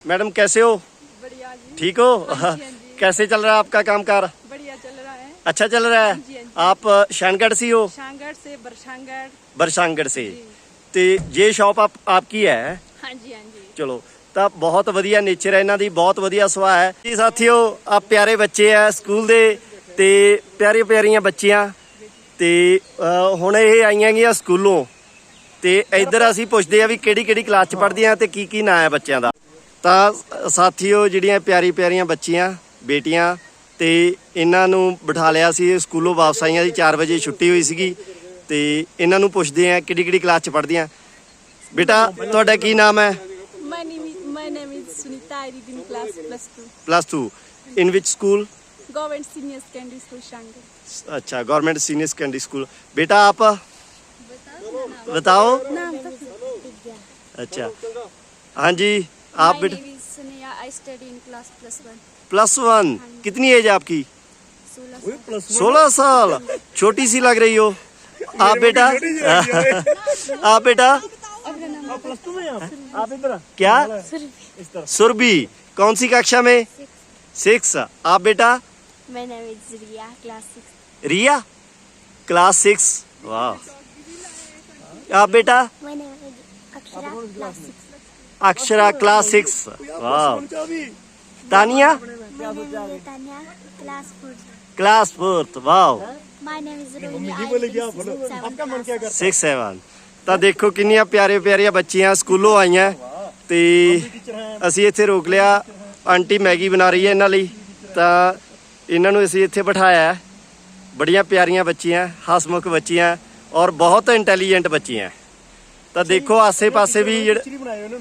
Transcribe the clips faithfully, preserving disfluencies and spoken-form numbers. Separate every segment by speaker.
Speaker 1: Madam कैसे हो?
Speaker 2: बढ़िया जी।
Speaker 1: ठीक हो?
Speaker 2: हाँ जी, हाँ जी।
Speaker 1: कैसे चल रहा है आपका कामकाज?
Speaker 2: बढ़िया चल रहा है।
Speaker 1: अच्छा चल रहा है।
Speaker 2: हाँ जी, हाँ जी।
Speaker 1: आप शानगढ़ से हो?
Speaker 2: शांगड़ से बरशांगड़।
Speaker 1: बरसांगढ़ से।
Speaker 2: जी।
Speaker 1: ਤੇ ਜੇ ਸ਼ਾਪ ਆਪ ਆਪਕੀ ਹੈ।
Speaker 2: हाँ जी हाँ जी।
Speaker 1: ਚਲੋ ਤਾਂ ਬਹੁਤ ਵਧੀਆ ਨੇਚਰ ਹੈ ਇਹਨਾਂ ਦੀ, ਬਹੁਤ ਵਧੀਆ ਸੁਭਾਅ ਹੈ ਜੀ। ਸਾਥੀਓ ਆ ਪਿਆਰੇ ਬੱਚੇ ਆ ਸਕੂਲ ਦੇ ਤੇ ਪਿਆਰੀ ਪਿਆਰੀਆਂ ਬੱਚੀਆਂ ਤੇ ਅਹ, ਹੁਣ ਇਹ ਆਈਆਂ ਗਈਆਂ ਸਕੂਲੋਂ ਤੇ ਇੱਧਰ ਅਸੀਂ ਪੁੱਛਦੇ ਆ ਵੀ ਕਿਹੜੀ ਕਿਹੜੀ ਕਲਾਸ ਚ ਪੜ੍ਹਦੀਆਂ ਤੇ ਕੀ ਕੀ ਨਾਂ ਹੈ ਬੱਚਿਆਂ ਦਾ। ਤਾਂ ਸਾਥੀਓ ਜਿਹੜੀਆਂ ਪਿਆਰੀ ਪਿਆਰੀਆਂ ਬੱਚੀਆਂ ਬੇਟੀਆਂ ਤੇ ਇਹਨਾਂ ਨੂੰ ਬਿਠਾ ਲਿਆ ਸੀ, ਸਕੂਲੋਂ ਵਾਪਸ ਆਈਆਂ ਸੀ, ਚਾਰ ਵਜੇ ਛੁੱਟੀ ਹੋਈ ਸੀਗੀ ਤੇ ਇਹਨਾਂ ਨੂੰ ਪੁੱਛਦੇ ਆ ਕਿਹੜੀ ਕਿਹੜੀ ਕਲਾਸ ਚ ਪੜ੍ਹਦੀਆਂ। ਬੇਟਾ ਤੁਹਾਡਾ ਕੀ ਨਾਮ ਹੈ?
Speaker 2: My name is my name is Sunita. I read in class plus two.
Speaker 1: Plus two in which school?
Speaker 2: Government Senior Secondary School Shanger.
Speaker 1: अच्छा गवर्नमेंट सीनियर सेकेंडरी स्कूल। बेटा आप बताओ।
Speaker 2: नाम तो
Speaker 1: अच्छा हाँ जी आप
Speaker 2: My
Speaker 1: बेटा
Speaker 2: name is Suneya. I study in class plus one.
Speaker 1: Plus one. कितनी एज है आपकी?
Speaker 2: सोलह साल।
Speaker 1: सोलह साल। छोटी सी लग रही हो आप बेटा। आप बेटा क्या? सुरभि। कौन सी कक्षा में? सिक्स। आप बेटा?
Speaker 2: My name is Riya. Class six.
Speaker 1: Riya class six. वाह। आप बेटा?
Speaker 2: My name is Akshara. Class six.
Speaker 1: Akshara class six. वाह। Tania
Speaker 2: My name is Tanya. Class four.
Speaker 1: Class fourth. वाह।
Speaker 2: My name is Rohini. I read in seventh class.
Speaker 1: Six seven. ਤਾਂ ਦੇਖੋ ਕਿੰਨੀਆਂ ਪਿਆਰੇ ਪਿਆਰੀਆਂ ਬੱਚੀਆਂ ਸਕੂਲੋਂ ਆਈਆਂ ਤੇ ਅਸੀਂ ਇੱਥੇ ਰੋਕ ਲਿਆ। ਆਂਟੀ ਮੈਗੀ ਬਣਾ ਰਹੀ ਹੈ ਇਹਨਾਂ ਲਈ, ਤਾਂ ਇਹਨਾਂ ਨੂੰ ਅਸੀਂ ਇੱਥੇ ਬਿਠਾਇਆ। ਬੜੀਆਂ ਪਿਆਰੀਆਂ ਬੱਚੀਆਂ, ਹਸਮੁਖ ਬੱਚੀਆਂ ਔਰ ਬਹੁਤ ਇੰਟੈਲੀਜੈਂਟ ਬੱਚੀਆਂ। ਤਾਂ ਦੇਖੋ ਆਸੇ-ਪਾਸੇ ਵੀ ਜਿਹੜੇ
Speaker 3: ਟੀਚਰ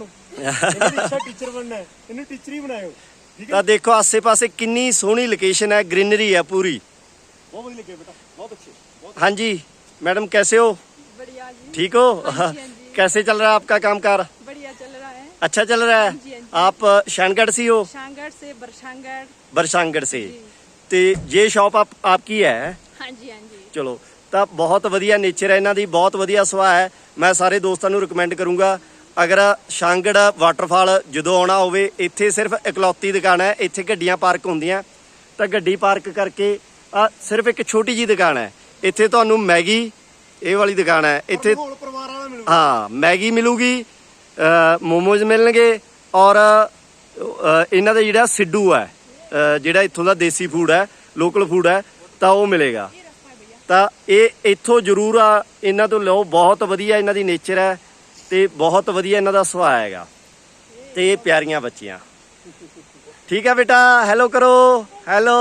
Speaker 3: ਬਣਨਾ ਹੈ, ਇਹਨੂੰ ਟੀਚਰ ਹੀ ਬਣਾਇਓ।
Speaker 1: ਤਾਂ ਦੇਖੋ ਆਸੇ-ਪਾਸੇ ਕਿੰਨੀ ਸੋਹਣੀ ਲੋਕੇਸ਼ਨ ਹੈ, ग्रीनरी है पूरी।
Speaker 3: ਬਹੁਤ ਵਧੀਆ ਲੱਗਿਆ ਬੇਟਾ, ਬਹੁਤ ਅੱਛੇ।
Speaker 1: हाँ जी मैडम कैसे हो?
Speaker 2: बढ़िया जी।
Speaker 1: ठीक हो?
Speaker 2: हाँ जी, हाँ जी।
Speaker 1: कैसे चल रहा है आपका कामकाज?
Speaker 2: बढ़िया चल रहा है।
Speaker 1: अच्छा चल रहा
Speaker 2: हाँ जी,
Speaker 1: है।
Speaker 2: हाँ
Speaker 1: आप शानगढ़ से हो?
Speaker 2: शांगड़ से बरशांगड़।
Speaker 1: बरसांगढ़ से।
Speaker 2: जी।
Speaker 1: ਤੇ ਜੇ ਸ਼ਾਪ ਆਪ ਆਪਕੀ ਹੈ।
Speaker 2: हाँ जी हाँ जी।
Speaker 1: ਚਲੋ ਤਾਂ ਬਹੁਤ ਵਧੀਆ ਨੇਚਰ ਹੈ ਇਹਨਾਂ ਦੀ, ਬਹੁਤ ਵਧੀਆ ਸੁਭਾਅ ਹੈ। ਮੈਂ ਸਾਰੇ ਦੋਸਤਾਂ ਨੂੰ ਰਿਕਮੈਂਡ ਕਰੂੰਗਾ ਅਗਰ ਸ਼ਾਂਗੜ ਵਾਟਰਫਾਲ ਜਦੋਂ ਆਉਣਾ ਹੋਵੇ, ਇੱਥੇ ਸਿਰਫ ਇਕਲੌਤੀ ਦੁਕਾਨ ਹੈ, ਇੱਥੇ ਗੱਡੀਆਂ ਪਾਰਕ ਹੁੰਦੀਆਂ ਤਾਂ ਗੱਡੀ ਪਾਰਕ ਕਰਕੇ ਆ ਸਿਰਫ ਇੱਕ ਛੋਟੀ ਜੀ ਦੁਕਾਨ ਹੈ। ਇੱਥੇ ਤੁਹਾਨੂੰ ਮੈਗੀ, ਇਹ ਵਾਲੀ ਦੁਕਾਨ ਹੈ ਇੱਥੇ,
Speaker 3: ਮਾਹੌਲ ਪਰਿਵਾਰ ਵਾਲਾ ਮਿਲੂ।
Speaker 1: ਹਾਂ ਮੈਗੀ ਮਿਲੂਗੀ, ਮੋਮੋਜ਼ ਮਿਲਣਗੇ ਔਰ ਅ, ਇਹਨਾਂ ਦਾ ਜਿਹੜਾ ਸਿੱਡੂ ਹੈ, ਅ, ਜਿਹੜਾ ਇੱਥੋਂ ਦਾ ਦੇਸੀ ਫੂਡ ਹੈ, ਲੋਕਲ ਫੂਡ ਹੈ, ਤਾਂ ਉਹ ਮਿਲੇਗਾ। ਤਾਂ ਇਹ ਇੱਥੋਂ ਜ਼ਰੂਰ ਆ ਇਹਨਾਂ ਤੋਂ ਲਓ, ਬਹੁਤ ਵਧੀਆ ਇਹਨਾਂ ਦੀ ਨੇਚਰ ਹੈ ਤੇ ਬਹੁਤ ਵਧੀਆ ਇਹਨਾਂ ਦਾ ਸੁਭਾਅ ਹੈਗਾ ਤੇ ਇਹ ਪਿਆਰੀਆਂ ਬੱਚੀਆਂ। ਠੀਕ ਹੈ ਬੇਟਾ, ਹੈਲੋ ਕਰੋ, ਹੈਲੋ।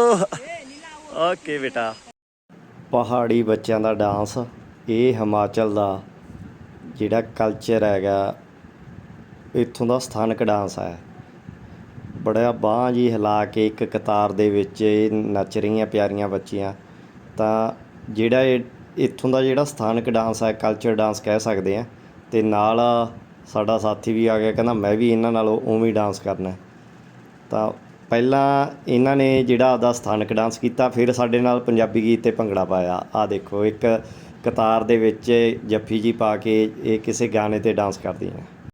Speaker 1: ਓਕੇ ਬੇਟਾ। ਪਹਾੜੀ ਬੱਚਿਆਂ ਦਾ ਡਾਂਸ, ਇਹ ਹਿਮਾਚਲ ਦਾ ਜਿਹੜਾ ਕਲਚਰ ਹੈਗਾ, ਇੱਥੋਂ ਦਾ ਸਥਾਨਕ ਡਾਂਸ ਹੈ। ਬੜਾ ਬਾਂਹ ਜੀ ਹਿਲਾ ਕੇ ਇੱਕ ਕਤਾਰ ਦੇ ਵਿੱਚ ਇਹ ਨੱਚ ਰਹੀਆਂ ਪਿਆਰੀਆਂ ਬੱਚੀਆਂ। ਤਾਂ ਜਿਹੜਾ ਇਹ ਇੱਥੋਂ ਦਾ ਜਿਹੜਾ ਸਥਾਨਕ ਡਾਂਸ ਹੈ, ਕਲਚਰ ਡਾਂਸ ਕਹਿ ਸਕਦੇ ਹਾਂ। ਅਤੇ ਨਾਲ ਸਾਡਾ ਸਾਥੀ ਵੀ ਆ ਗਿਆ, ਕਹਿੰਦਾ ਮੈਂ ਵੀ ਇਹਨਾਂ ਨਾਲ ਉਵੇਂ ਹੀ ਡਾਂਸ ਕਰਨਾ। ਤਾਂ ਪਹਿਲਾਂ ਇਹਨਾਂ ਨੇ ਜਿਹੜਾ ਆਪਦਾ ਸਥਾਨਕ ਡਾਂਸ ਕੀਤਾ, ਫਿਰ ਸਾਡੇ ਨਾਲ ਪੰਜਾਬੀ ਗੀਤ 'ਤੇ ਭੰਗੜਾ ਪਾਇਆ। ਆਹ ਦੇਖੋ ਇੱਕ ਕਤਾਰ ਦੇ ਵਿੱਚ ਜੱਫੀ ਜੀ ਪਾ ਕੇ ਇਹ ਕਿਸੇ ਗਾਣੇ 'ਤੇ ਡਾਂਸ ਕਰਦੀਆਂ।